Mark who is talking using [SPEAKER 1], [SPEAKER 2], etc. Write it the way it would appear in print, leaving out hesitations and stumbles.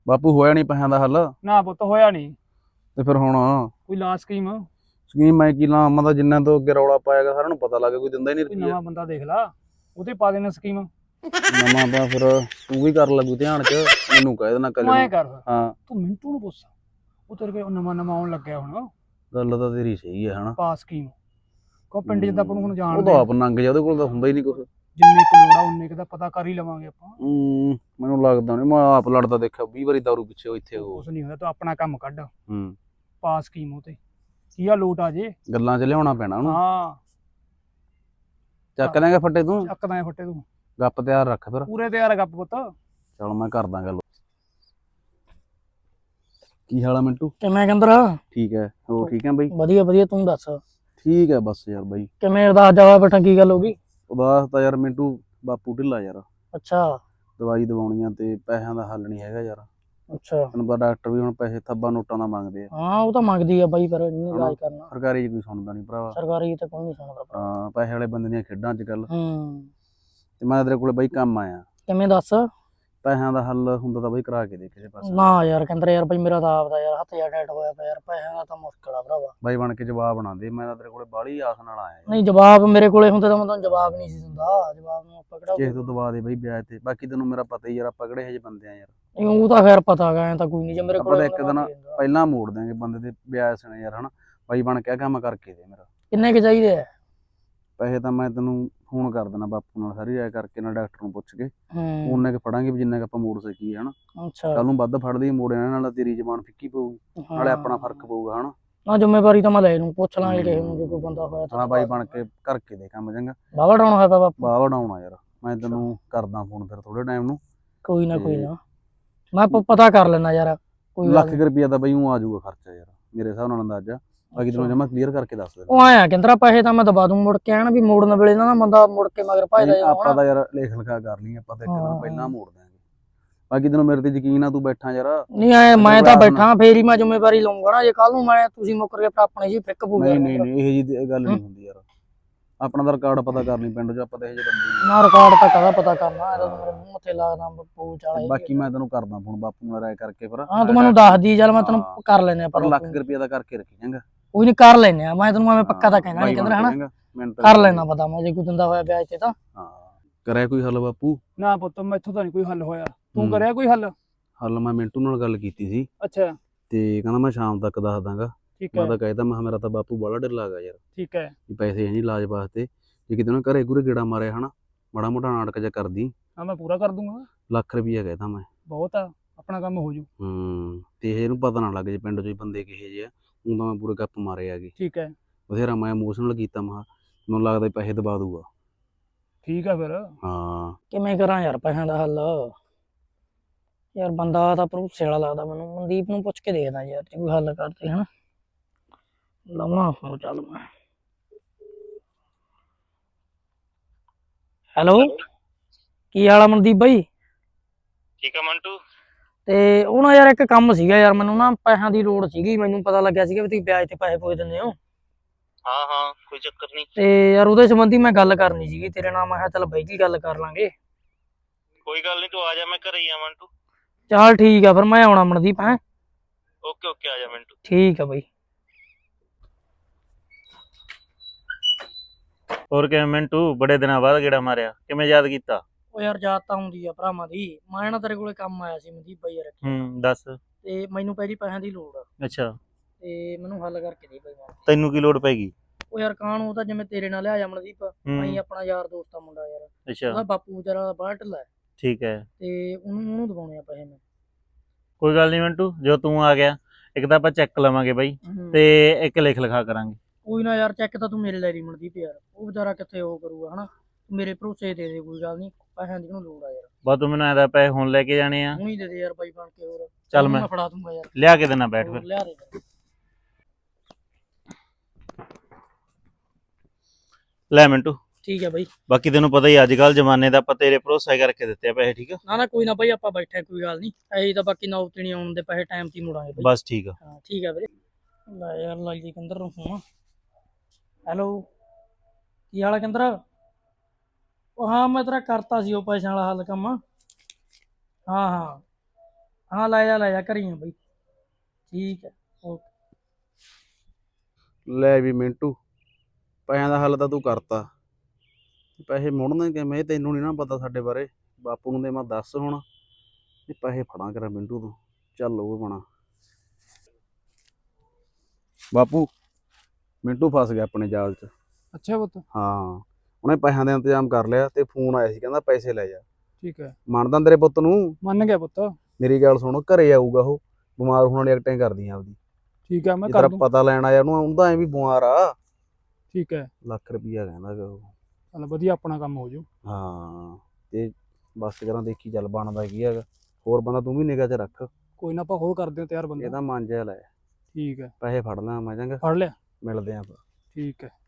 [SPEAKER 1] ਬਾਪੂ ਹੋਇਆ ਨਹੀਂ ਪੈਸਿਆਂ ਦਾ ਹੱਲ।
[SPEAKER 2] ਨਾ ਪੁੱਤ ਹੋਇਆ ਨਹੀਂ।
[SPEAKER 1] ਤੇ ਫਿਰ ਹੁਣ
[SPEAKER 2] ਕੋਈ ਲਾ ਸਕੀਮ,
[SPEAKER 1] ਸਕੀਮ ਮੈਂ ਕੀ ਲਾਂ, ਮੈਂ ਤਾਂ ਜਿੰਨਾ ਤੋਂ ਅੱਗੇ ਰੌਲਾ ਪਾਇਆਗਾ ਸਾਰਿਆਂ ਨੂੰ ਪਤਾ ਲੱਗ ਗਿਆ, ਕੋਈ ਦਿੰਦਾ ਹੀ ਨਹੀਂ
[SPEAKER 2] ਕੋਈ
[SPEAKER 1] ਰੁਪਈਆ।
[SPEAKER 2] ਨਵਾਂ ਬੰਦਾ ਦੇਖ ਲਾ, ਉਹਦੇ ਪਾ ਦੇਣਾ ਸਕੀਮ।
[SPEAKER 1] ਨਵਾਂ ਤਾਂ ਫਿਰ ਤੂੰ ਵੀ ਕਰ ਲੱਗੂ ਧਿਆਨ ਚ, ਮੈਨੂੰ ਕਹਿ ਦੇਣਾ ਕੱਲ
[SPEAKER 2] ਤੂੰ ਐਂ
[SPEAKER 1] ਨੂੰ।
[SPEAKER 2] ਕਰ,
[SPEAKER 1] ਹਾਂ
[SPEAKER 2] ਤੂੰ ਮਿੰਟੂ ਨੂੰ ਪੁੱਛ, ਉਹ ਤੇਰੇ ਕੋਲ ਨਵਾਂ ਨਵਾਂ ਆਉਣ ਲੱਗਿਆ ਹੁਣ।
[SPEAKER 1] ਗੱਲ ਤਾਂ ਤੇਰੀ ਸਹੀ ਹੈ ਹਨਾ।
[SPEAKER 2] ਪਾ ਸਕੀਮ, ਕੋ ਪਿੰਡ 'ਚ ਤਾਂ ਆਪਾਂ ਨੂੰ ਹੁਣ
[SPEAKER 1] ਉਹ
[SPEAKER 2] ਜਾਣਦੇ
[SPEAKER 1] ਤਾਂ
[SPEAKER 2] ਆ,
[SPEAKER 1] ਆਪ ਨੰਗ ਜਾ, ਉਹਦੇ ਕੋਲ ਤਾਂ ਹੁੰਦਾ ਹੀ ਨਹੀਂ ਕੁਛ।
[SPEAKER 2] ਜਿੰਨੇ ਕੁ ਲੋੜ ਆ ਉਨੇ ਕੁ ਦਾ ਪਤਾ ਕਰ ਹੀ ਲਵਾਂਗੇ ਆਪਾਂ।
[SPEAKER 1] ਮੈਨੂੰ ਲੱਗਦਾ ਨਹੀਂ, ਮੈਂ ਆਪ ਲੜਦਾ ਦੇਖਿਆ 20 ਵਾਰੀ ਦਾਰੂ ਪਿੱਛੇ ਇੱਥੇ ਉਹ।
[SPEAKER 2] ਕੁਛ ਨਹੀਂ ਹੋਇਆ, ਤੂੰ ਆਪਣਾ ਕੰਮ ਕੱਢ,
[SPEAKER 1] ਹੂੰ
[SPEAKER 2] ਪਾ ਸਕੀਮ ਉਹ ਤੇ ਕੀ ਆ ਲੋਟ ਆ ਜੇ।
[SPEAKER 1] ਗੱਲਾਂ ਚ ਲਿਆਉਣਾ ਪੈਣਾ ਉਹਨੂੰ।
[SPEAKER 2] ਹਾਂ
[SPEAKER 1] ਚੱਕ ਲੈਂਗਾ ਫੱਟੇ ਤੂੰ,
[SPEAKER 2] ਚੱਕਦਾ ਐ ਫੱਟੇ ਤੂੰ,
[SPEAKER 1] ਗੱਪ ਤਿਆਰ ਰੱਖ ਫਿਰ।
[SPEAKER 2] ਪੂਰੇ ਤਿਆਰ ਗੱਪ ਪੁੱਤ।
[SPEAKER 1] ਚਲ ਮੈਂ ਕਰਦਾ ਗੱਲ। ਕੀ ਹਾਲ ਆ ਮਿੰਟੂ?
[SPEAKER 3] ਕਿਵੇਂ ਕਹਿੰਦਾ?
[SPEAKER 1] ਠੀਕ ਹੈ, ਹੋਰ ਠੀਕ ਹੈ ਬਈ?
[SPEAKER 3] ਵਧੀਆ ਵਧੀਆ, ਤੂੰ ਦੱਸ
[SPEAKER 1] ਠੀਕ ਹੈ ਬਸ ਯਾਰ ਬਾਈ।
[SPEAKER 3] ਕਿਵੇਂ ਅਰਦਾਸ ਜਾਵਾ ਬੈਠਾ, ਕੀ ਗੱਲ ਹੋ ਗਈ?
[SPEAKER 1] ਉਦਾਸ ਤਾਂ ਯਾਰ ਮਿੰਟੂ ਬਾਪੂ ਢਿੱਲਾ ਯਾਰ,
[SPEAKER 3] ਅੱਛਾ
[SPEAKER 1] ਦਵਾਈ ਦਵਾਉਣੀਆਂ ਤੇ ਪੈਸਿਆਂ ਦਾ ਹੱਲ ਨਹੀਂ ਹੈਗਾ ਯਾਰ।
[SPEAKER 3] ਅੱਛਾ,
[SPEAKER 1] ਤੈਨੂੰ ਪਤਾ ਡਾਕਟਰ ਵੀ ਹੁਣ ਪੈਸੇ ਥੱਬਾ ਨੋਟਾਂ ਦਾ ਮੰਗਦੇ ਆ।
[SPEAKER 3] ਹਾਂ ਉਹ ਤਾਂ ਮੰਗਦੀ ਆ ਬਾਈ, ਪਰ ਇਹਨੇ ਇਲਾਜ ਕਰਨਾ।
[SPEAKER 1] ਸਰਕਾਰੀ 'ਚ ਕੋਈ ਸੁਣਦਾ ਨਹੀਂ ਭਰਾਵਾ।
[SPEAKER 3] ਸਰਕਾਰੀ ਤਾਂ ਕੋਈ ਨਹੀਂ ਸੁਣਦਾ ਭਰਾ।
[SPEAKER 1] ਹਾਂ ਪੈਸੇ ਵਾਲੇ ਬੰਦੇ ਦੀਆਂ ਖੇਡਾਂ ਅੱਜ ਕੱਲ।
[SPEAKER 3] ਹੂੰ,
[SPEAKER 1] ਤੇ ਮੈਂ ਤੇਰੇ ਕੋਲੇ ਬਾਈ ਕੰਮ ਆਇਆ,
[SPEAKER 3] ਕਿਵੇਂ ਦੱਸ?
[SPEAKER 1] ਪੈਸਿਆਂ ਦਾ ਹੱਲ ਹੁੰਦਾ ਤਾਂ ਬਾਈ ਕਰਾ ਕੇ ਦੇ ਕਿਸੇ ਪਾਸੇ।
[SPEAKER 3] ਨਾ ਯਾਰ ਕਹਿੰਦਾ ਯਾਰ ਬਾਈ, ਮੇਰਾ ਤਾਂ ਆਪਦਾ ਯਾਰ ਹੱਥ ਜਾ ਟੈਟ ਹੋਇਆ ਪਿਆ ਯਾਰ, ਪੈਸਿਆਂ ਦਾ ਤਾਂ ਮੁਸ਼ਕਲ ਆ ਭਰਾਵਾ।
[SPEAKER 1] ਬਾਈ ਬਣ ਕੇ ਜਵਾਬ ਨਾ ਦੇ, ਮੈਂ ਤਾਂ ਤੇਰੇ ਕੋਲੇ ਬਾਹਲੀ ਆਸ ਨਾਲ ਆਇਆ ਯਾਰ।
[SPEAKER 3] ਨਹੀਂ ਜਵਾਬ ਮੇਰੇ ਕੋਲੇ ਹੁੰਦੇ ਤਾਂ ਮੈਂ ਤੁਹਾਨੂੰ ਜਵਾਬ ਨਹੀਂ ਸੀ ਦਿੰਦਾ, ਜਵਾਬ ਨੂੰ ਆਪਾਂ ਕਿਹੜਾ
[SPEAKER 1] ਕਿਸੇ ਤੋਂ ਦਵਾ ਦੇ ਬਾਈ ਵਿਆਜ ਤੇ, ਬਾਕੀ ਤੈਨੂੰ ਮੇਰਾ ਪਤਾ ਹੀ ਯਾਰ, ਆਪਾਂ ਕਿਹੜੇ ਇਹੋ ਜਿਹੇ ਬੰਦੇ ਆ ਯਾਰ।
[SPEAKER 3] ਨਹੀਂ, ਉਹ ਤਾਂ ਖੈਰ ਪਤਾ ਗਾ, ਐਂ ਤਾਂ ਕੋਈ ਨਹੀਂ, ਜੇ ਮੇਰੇ
[SPEAKER 1] ਆਪਾਂ
[SPEAKER 3] ਕੋਲੇ
[SPEAKER 1] ਤਾਂ ਇੱਕ ਦਿਨ ਪਹਿਲਾਂ ਮੋੜ ਦਿਆਂਗੇ ਬੰਦੇ ਦੇ ਵਿਆਜ ਸਣੇ ਯਾਰ ਹਨਾ। ਬਾਈ ਬਣ ਕੇ ਕੰਮ ਕਰਕੇ ਦੇ ਮੇਰਾ।
[SPEAKER 3] ਕਿੰਨੇ ਕੁ ਚਾਹੀਦੇ ਆ?
[SPEAKER 1] ਪੈਸੇ ਤਾਂ ਮੈਂ ਤੈਨੂੰ ਫੋਨ ਕਰ ਦੇਣਾ ਬਾਪੂ ਨਾਲ ਸਾਰੀ ਰਾਏ ਕਰਕੇ, ਨਾਲ ਡਾਕਟਰ ਨੂੰ ਪੁੱਛ ਕੇ
[SPEAKER 3] ਹੂੰ,
[SPEAKER 1] ਉਹਨੇ ਕਿ ਫੜਾਂਗੇ ਵੀ ਜਿੰਨਾ ਕਿ ਆਪਾਂ ਮੋੜ ਸਕੀਏ ਹਨਾ।
[SPEAKER 3] ਅੱਛਾ
[SPEAKER 1] ਕੱਲ ਨੂੰ ਵੱਧ ਫੜਦੇ ਹੀ ਮੋੜ ਜਾਣਾ, ਨਾਲ ਤੇਰੀ ਜ਼ਬਾਨ ਫਿੱਕੀ ਪਊਗੀ, ਨਾਲੇ ਆਪਣਾ ਫਰਕ ਪਊਗਾ ਹਨਾ।
[SPEAKER 3] ਨਾ ਜ਼ਿੰਮੇਵਾਰੀ ਤਾਂ ਮੈਂ ਲੈ ਲੂੰ, ਪੁੱਛ ਲਾਂਗੇ ਕਿਸੇ ਨੂੰ ਜੇ ਕੋਈ ਬੰਦਾ ਹੋਇਆ ਤਾਂ।
[SPEAKER 1] ਹਾਂ ਬਾਈ ਬਣ ਕੇ ਕਰਕੇ ਦੇ ਕੰਮ ਚੰਗਾ।
[SPEAKER 3] ਬਾਵਾ ਡਾਉਣਾ ਹੋਇਆ ਪਿਆ ਬਾਪੂ?
[SPEAKER 1] ਵਾਹ ਵਡਾਉਣਾ ਯਾਰ, ਮੈਂ ਤੈਨੂੰ ਕਰਦਾ ਫੋਨ ਫਿਰ ਥੋੜੇ ਟਾਈਮ ਨੂੰ।
[SPEAKER 3] ਕੋਈ ਨਾ ਕੋਈ ਨਾ, ਮੈਂ ਪਤਾ ਕਰ ਲੈਣਾ ਯਾਰ, ਕੋਈ ਗੱਲ
[SPEAKER 1] ਲੱਖ
[SPEAKER 3] ਨੀ।
[SPEAKER 1] ਕੁ ਰੁਪਈਆ ਤਾਂ ਬਈ ਉਹ ਆ ਜਾਊਗਾ ਖਰਚਾ ਯਾਰ, ਮੇਰੇ ਹਿਸਾਬ ਨਾਲ ਅੰਦਾਜ਼ਾ। ਬਾਕੀ ਤੈਨੂੰ ਜਮਾ ਕਲੀਅਰ ਕਰਕੇ ਦੱਸ ਦੇ।
[SPEAKER 3] ਉਹ ਆਇਆ ਕਹਿੰਦਾ ਪੈਸੇ ਤਾਂ ਮੈਂ ਦਬਾ ਦੂੰ, ਮੁੜ ਕੇ ਆਣ ਵੀ ਮੋੜਨ ਵੇਲੇ ਨਾ ਬੰਦਾ ਮੁੜ ਕੇ ਮਗਰ ਭਜਦਾ
[SPEAKER 1] ਨਹੀਂ, ਆਪਾਂ
[SPEAKER 3] ਜਾਣਾ।
[SPEAKER 1] ਤਾਂ ਯਾਰ ਲੇਖ ਲਿਖਾ ਕਰ ਲਈ, ਆਪਾਂ ਤਾਂ ਇੱਕ ਦਿਨ ਪਹਿਲਾਂ ਮੋੜ ਦਿਆਂਗੇ। ਬਾਕੀ ਤੈਨੂੰ ਮੇਰੇ ਤੇ ਯਕੀਨ ਆ, ਤੂੰ ਬੈਠਾ ਯਾਰ।
[SPEAKER 3] ਨਹੀਂ ਆਏ, ਮੈਂ ਤਾਂ ਬੈਠਾ, ਫੇਰ ਹੀ ਮੈਂ ਜ਼ਿੰਮੇਵਾਰੀ ਲਊਂਗਾ ਨਾ, ਜੇ ਕੱਲ ਨੂੰ ਮੈਂ ਤੁਸੀਂ ਮੁੱਕਰ ਕੇ ਫਿਰ ਆਪਣੇ ਜੀ ਫਿੱਕ ਪੂ ਗਿਆ।
[SPEAKER 1] ਨਹੀਂ ਇਹ ਜੀ ਗੱਲ ਨਹੀਂ ਹੁੰਦੀ ਯਾਰ, ਆਪਣਾ ਤਾਂ ਰਿਕਾਰਡ ਪਤਾ ਕਰ ਲਈ ਪਿੰਡ 'ਚ, ਆਪਾਂ ਤਾਂ ਇਹੋ ਜਿਹੇ ਬੰਦੇ
[SPEAKER 3] ਨਾ ਰਿਕਾਰਡ ਤਾਂ ਕਦਾ ਪਤਾ ਕਰਨਾ, ਇਹਦਾ ਮੇਰੇ ਮੂੰਹ ਮੱਥੇ ਲੱਗਦਾ ਪੂ ਚਾਲਾ।
[SPEAKER 1] ਬਾਕੀ ਮੈਂ ਤੈਨੂੰ ਕਰਦਾ ਫੋਨ ਬਾਪੂ ਨਾਲ ਰਾਏ ਕਰਕੇ ਫਿਰ।
[SPEAKER 3] ਹਾਂ ਤੂੰ ਮੈਨੂੰ ਦੱਸ ਦੀ, ਚੱਲ ਮੈਂ ਤੈਨੂੰ ਕਰ ਲੈਨੇ ਆ,
[SPEAKER 1] ਪਰ ਲੱਖ ਰੁਪਈਆ ਦਾ ਕਰਕੇ ਰੱਖੀ ਜਾਂਗਾ।
[SPEAKER 3] ਕੋਈ ਨਹੀਂ ਕਰ ਲੈਨੇ ਆ, ਮੈਂ ਤੈਨੂੰ ਐਵੇਂ ਪੱਕਾ ਤਾਂ ਕਹਿਣਾ ਨਹੀਂ ਕਹਿੰਦਾ ਹਨਾ, ਕਰ ਲੈਣਾ ਪਤਾ ਮੈਂ, ਜੇ ਕੋਈ ਦਿੰਦਾ ਹੋਇਆ ਵਿਆਜ ਤੇ ਤਾਂ।
[SPEAKER 1] ਹਾਂ ਕਰਿਆ ਕੋਈ ਹੱਲ ਬਾਪੂ?
[SPEAKER 2] ਨਾ ਪੁੱਤ ਮੈਥੋਂ ਤਾਂ ਨਹੀਂ ਕੋਈ ਹੱਲ ਹੋਇਆ, ਤੂੰ ਕਰਿਆ ਕੋਈ ਹੱਲ?
[SPEAKER 1] ਹੱਲ ਮੈਂ ਮਿੰਟੂ ਨਾਲ ਗੱਲ ਕੀਤੀ ਸੀ,
[SPEAKER 2] ਅੱਛਾ
[SPEAKER 1] ਤੇ ਕਹਿੰਦਾ ਮੈਂ ਸ਼ਾਮ ਤੱਕ ਦੱਸ ਦਾਂਗਾ।
[SPEAKER 2] ਠੀਕ
[SPEAKER 1] ਮੈਂ
[SPEAKER 2] ਹੈ
[SPEAKER 1] ਤਾਂ ਕਹਿਤਾ, ਮੈਂ ਮੇਰਾ ਤਾਂ ਬਾਪੂ ਬਾਹਲਾ ਢਿੱਲਾ ਗਾ ਯਾਰ,
[SPEAKER 2] ਠੀਕ ਹੈ।
[SPEAKER 1] ਵੀ ਪੈਸੇ ਹੈ ਨਹੀਂ ਇਲਾਜ ਵਾਸਤੇ, ਜੇ ਕਿਤੇ ਉਹਨੇ ਘਰੇ ਘੁਰੇ ਗੇੜਾ ਮਾਰਿਆ ਹਨਾ, ਮਾੜਾ ਮੋਟਾ ਨਾਟਕ ਜਿਹਾ ਕਰਦੀ।
[SPEAKER 2] ਹਾਂ ਮੈਂ ਪੂਰਾ ਕਰ ਦੂੰਗਾ।
[SPEAKER 1] ਲੱਖ ਰੁਪਈਆ ਕਹਿਤਾ ਮੈਂ।
[SPEAKER 2] ਬਹੁਤ ਆ, ਆਪਣਾ ਕੰਮ ਹੋ ਜੂ।
[SPEAKER 1] ਤੇ ਇਹਨੂੰ ਪਤਾ ਨਾ ਲੱਗ ਜੇ ਪਿੰਡ 'ਚ ਹੀ ਬੰਦੇ ਕਿਹੇ ਜਿਹੇ ਆ, ਉਹ ਤਾਂ ਮੈਂ ਪੂਰੇ ਗੱਪ ਮਾਰੇ ਆਗੇ।
[SPEAKER 2] ਠੀਕ ਹੈ
[SPEAKER 1] ਬਥੇਰਾ ਮੈਂ ਇਮੋਸ਼ਨਲ ਕੀਤਾ, ਮੈਨੂੰ ਲੱਗਦਾ ਪੈਸੇ ਦਬਾ ਦੂਗਾ।
[SPEAKER 2] ਠੀਕ ਆ ਫਿਰ।
[SPEAKER 1] ਹਾਂ
[SPEAKER 3] ਕਿਵੇਂ ਕਰਾਂ ਯਾਰ ਪੈਸਿਆਂ ਦਾ ਹੱਲ? ਯਾਰ ਬੰਦਾ ਤਾਂ ਭਰੋਸੇ ਵਾਲਾ ਲੱਗਦਾ ਮੈਨੂੰ, ਮਨਦੀਪ ਨੂੰ ਪੁੱਛ ਕੇ ਦੇਖਦਾ ਯਾਰ, ਜੇ ਕੋਈ ਹੱਲ ਕਰਦੇ ਹਨਾ। ਲਾਉਣਾ ਫੋਨ, ਚੱਲ ਮੈਂ। ਹੈਲੋ, ਕੀ ਹਾਲ ਆ ਮਨਦੀਪ ਬਾਈ?
[SPEAKER 4] ਠੀਕ ਆ ਮੰਟੂ।
[SPEAKER 3] ਤੇ ਉਹ ਨਾ ਯਾਰ ਇੱਕ ਕੰਮ ਸੀਗਾ ਯਾਰ, ਮੈਨੂੰ ਨਾ ਪੈਸਿਆਂ ਦੀ ਲੋੜ ਸੀਗੀ, ਮੈਨੂੰ ਪਤਾ ਲੱਗਿਆ ਸੀਗਾ ਵੀ ਤੁਸੀਂ ਵਿਆਜ ਤੇ ਪੈਸੇ ਪੁੱਜ ਦਿੰਦੇ ਹੋ।
[SPEAKER 4] ਹਾਂ ਹਾਂ ਕੋਈ ਚੱਕਰ ਨਹੀਂ।
[SPEAKER 3] ਤੇ ਯਾਰ ਉਹਦੇ ਸੰਬੰਧੀ ਮੈਂ ਗੱਲ ਕਰਨੀ ਸੀਗੀ ਤੇਰੇ ਨਾਲ, ਮੈਂ ਕਿਹਾ ਚੱਲ ਬਾਈ ਜੀ ਗੱਲ ਕਰ ਲਾਂਗੇ।
[SPEAKER 4] ਕੋਈ ਗੱਲ ਨਹੀਂ, ਤੂੰ ਆ ਜਾ, ਮੈਂ ਘਰੇ ਹੀ ਆ ਮੰਟੂ।
[SPEAKER 3] ਚੱਲ ਠੀਕ ਆ ਫਿਰ, ਮੈਂ ਆਉਣਾ ਮਨਦੀਪ। ਹੈਂ
[SPEAKER 4] ਓਕੇ ਓਕੇ, ਆ ਜਾ ਮੰਟੂ।
[SPEAKER 3] ਠੀਕ ਆ ਬਾਈ।
[SPEAKER 4] ਹੋਰ ਕਿਵੇਂ ਮੰਟੂ, ਬੜੇ ਦਿਨਾਂ ਬਾਅਦ ਗੇੜਾ ਮਾਰਿਆ, ਕਿਵੇਂ ਯਾਦ ਕੀਤਾ?
[SPEAKER 3] ਉਹ ਯਾਰ ਯਾਦ ਤਾਂ ਆਉਂਦੀ ਆ ਭਰਾਵਾਂ ਦੀ, ਮੈਂ ਨਾ ਤੇਰੇ ਕੋਲੇ ਕੰਮ ਆਇਆ ਸੀ ਮਨਦੀਪ ਬਾਈ ਯਾਰ,
[SPEAKER 4] ਦੱਸ।
[SPEAKER 3] ਤੇ ਮੈਨੂੰ ਪਹਿਲੀ ਪੈਸਿਆਂ ਦੀ ਲੋੜ ਆ,
[SPEAKER 4] ਅੱਛਾ,
[SPEAKER 3] ਤੇ ਮੈਨੂੰ ਹੱਲ ਕਰਕੇ ਦੇ ਬਾਈ।
[SPEAKER 4] ਤੈਨੂੰ ਕੀ ਲੋੜ ਪੈਗੀ?
[SPEAKER 3] ਉਹ ਯਾਰ ਕਾਹਨੂੰ, ਉਹ ਤਾਂ ਜਿਵੇਂ ਤੇਰੇ ਨਾਲ ਲਿਆ ਮਨਦੀਪ, ਅਸੀਂ ਆਪਣਾ ਯਾਰ ਦੋਸਤ ਆ ਮੁੰਡਾ ਯਾਰ,
[SPEAKER 4] ਅੱਛਾ
[SPEAKER 3] ਉਹਦਾ ਬਾਪੂ ਵਿਚਾਰਾ ਬਾਹਰ ਢਿੱਲਾ ਹੈ,
[SPEAKER 4] ਠੀਕ ਹੈ,
[SPEAKER 3] ਤੇ ਉਹਨੂੰ ਦਵਾਉਣੇ ਆ ਪੈਸੇ ਮੈਂ।
[SPEAKER 4] ਕੋਈ ਗੱਲ ਨਹੀਂ ਮੰਟੂ, ਜੋ ਤੂੰ ਆ ਗਿਆ, ਇੱਕ ਤਾਂ ਆਪਾਂ ਚੈੱਕ ਲਵਾਂਗੇ ਬਾਈ, ਤੇ ਇੱਕ ਲਿਖ ਲਿਖਾ ਕਰਾਂਗੇ।
[SPEAKER 3] ਕੋਈ ਨਾ ਯਾਰ, ਚੈੱਕ ਤਾਂ ਤੂੰ ਮੇਰੇ ਲੈ ਲਈ ਮਨਦੀਪ ਯਾਰ, ਉਹ ਵਿਚਾਰਾ ਕਿੱਥੇ ਉਹ ਕਰੂਗਾ ਹਨਾ, ਮੇਰੇ ਭਰੋਸੇ ਦੇ ਦੇ, ਕੋਈ ਗੱਲ ਨਹੀਂ, ਪੈਸਿਆਂ ਦੀ ਉਹਨੂੰ ਲੋੜ ਆ ਯਾਰ।
[SPEAKER 4] ਬਸ ਤੂੰ ਮੈਨੂੰ ਐਦਾ ਪੈਸੇ ਹੁਣ ਲੈ ਕੇ ਜਾਣੇ ਆ?
[SPEAKER 3] ਹੁਣੀ ਦੇ ਦੇ ਯਾਰ ਬਾਈ ਬਣ ਕੇ, ਹੋਰ
[SPEAKER 4] ਚੱਲ ਮੈਂ
[SPEAKER 3] ਫੜਾ ਦੂੰਗਾ ਯਾਰ,
[SPEAKER 4] ਲਿਆ ਕੇ ਦੇਣਾ, ਬੈਠ ਫਿਰ।
[SPEAKER 3] ਲਿਆ ਦੇ ਫਿਰ।
[SPEAKER 4] ਲੈ ਮਿੰਟੂ,
[SPEAKER 3] ਠੀਕ ਹੈ ਬਾਈ।
[SPEAKER 4] ਬਾਕੀ ਤੈਨੂੰ ਪਤਾ ਹੀ ਅੱਜ ਕੱਲ ਜਮਾਨੇ ਦਾ, ਆਪਾਂ ਤੇਰੇ ਭਰੋਸਾ ਕਰਕੇ ਦਿੱਤੇ ਆ ਪੈਸੇ, ਠੀਕ ਆ?
[SPEAKER 3] ਨਾ ਕੋਈ ਨਾ ਬਾਈ, ਆਪਾਂ ਬੈਠੇ, ਕੋਈ ਗੱਲ ਨਹੀਂ, ਅਸੀਂ ਤਾਂ ਬਾਕੀ ਨੌਬਤ ਨਹੀਂ ਆਉਣ ਦੇ, ਪੈਸੇ ਟਾਈਮ ਤੇ ਮੁੜਾਂਗੇ ਬਾਈ।
[SPEAKER 4] ਬਸ ਠੀਕ ਆ।
[SPEAKER 3] ਹਾਂ ਠੀਕ ਆ ਵੀਰੇ। ਲੈ ਯਾਰ ਲਾਈ ਜੀ ਕੰਦਰ ਨੂੰ ਫੋਨ। ਹੈਲੋ, ਕੀ ਹਾਲ ਹੈ ਕੰਦਰ? ਉਹ ਹਾਂ ਮੈਂ ਤੇਰਾ ਕਰਤਾ ਸੀ ਉਹ ਪੈਸਿਆਂ ਵਾਲਾ ਹੱਲ ਕੰਮ। ਹਾਂ ਹਾਂ ਹਾਂ ਲੈ ਜਾ ਘਰੀ ਆ ਬਈ। ਠੀਕ ਹੈ ਓਕੇ।
[SPEAKER 1] ਲੈ ਵੀ ਮਿੰਟੂ, ਪੈਸਿਆਂ ਦਾ ਹੱਲ ਤਾਂ ਤੂੰ ਕਰਤਾ। ਪੈਸੇ ਮੁੜਨਗੇ ਕਿਵੇਂ ਇਹ ਤੈਨੂੰ ਨਹੀਂ ਨਾ ਪਤਾ ਸਾਡੇ ਬਾਰੇ। ਬਾਪੂ ਨੂੰ ਦੇ ਮੈਂ ਦੱਸ ਹੁਣ ਇਹ ਪੈਸੇ ਫੜਾਂ ਕਰਾਂ ਮਿੰਟੂ ਤੋਂ। ਚੱਲ ਉਹ ਬਣਾ ਬਾਪੂ, ਮਿੰਟੂ ਫਸ ਗਿਆ ਆਪਣੇ ਜਾਲ 'ਚ।
[SPEAKER 2] ਅੱਛਾ ਪੁੱਤ।
[SPEAKER 1] ਹਾਂ, ਉਹਨੇ ਪੈਸਿਆਂ ਦਾ ਇੰਤਜ਼ਾਮ ਕਰ ਲਿਆ ਤੇ ਫੋਨ ਆਇਆ ਸੀ ਕਹਿੰਦਾ ਪੈਸੇ ਲੈ ਜਾ।
[SPEAKER 2] ਠੀਕ ਹੈ,
[SPEAKER 1] ਮੰਨਦਾ ਤੇਰੇ ਪੁੱਤ ਨੂੰ?
[SPEAKER 2] ਮੰਨ ਗਿਆ ਪੁੱਤ।
[SPEAKER 1] ਮੇਰੀ ਗੱਲ ਸੁਣ, ਘਰੇ ਆਊਗਾ ਉਹ, ਬਿਮਾਰ ਹੋਣ ਵਾਲੀ ਐਕਟਿੰਗ ਕਰਦੀਆਂ ਆਪਦੀ।
[SPEAKER 2] ਠੀਕ ਹੈ, ਮੈਂ
[SPEAKER 1] ਜੇ
[SPEAKER 2] ਕਰ
[SPEAKER 1] ਤੇਰਾ
[SPEAKER 2] ਦੂੰ।
[SPEAKER 1] ਪਤਾ ਲੈਣ ਆਇਆ ਉਹਨੂੰ, ਉਹਦਾ ਐ ਵੀ ਬਿਮਾਰ ਆ।
[SPEAKER 2] ਠੀਕ ਹੈ,
[SPEAKER 1] ਲੱਖ ਰੁਪਈਆ ਕਹਿੰਦਾ ਗਾ ਉਹ।
[SPEAKER 2] ਚੱਲ ਵਧੀਆ ਆਪਣਾ ਕੰਮ ਹੋ ਜੂ।
[SPEAKER 1] ਹਾਂ, ਤੇ ਬਸ ਕਰਾਂ ਦੇਖੀ ਚੱਲ ਬਣਦਾ ਕੀ ਹੈਗਾ। ਹੋਰ ਬੰਦਾ ਤੂੰ ਵੀ ਨਿਗਾਹ 'ਚ ਰੱਖ।
[SPEAKER 2] ਕੋਈ ਨਾ ਆਪਾਂ ਹੋਰ ਕਰਦੇ ਹਾਂ ਤਿਆਰ ਬੰਦਾ।
[SPEAKER 1] ਇਹਦਾ ਮਨ ਜਿਹਾ ਲੈ।
[SPEAKER 2] ਠੀਕ ਹੈ,
[SPEAKER 1] ਪੈਸੇ ਫੜ ਲਾਂ ਮੈਂ, ਚੰਗਾ
[SPEAKER 2] ਫੜ ਲਿਆ।
[SPEAKER 1] ਮਿਲਦੇ ਆਂ ਆਪਾਂ।
[SPEAKER 2] ਠੀਕ ਹੈ।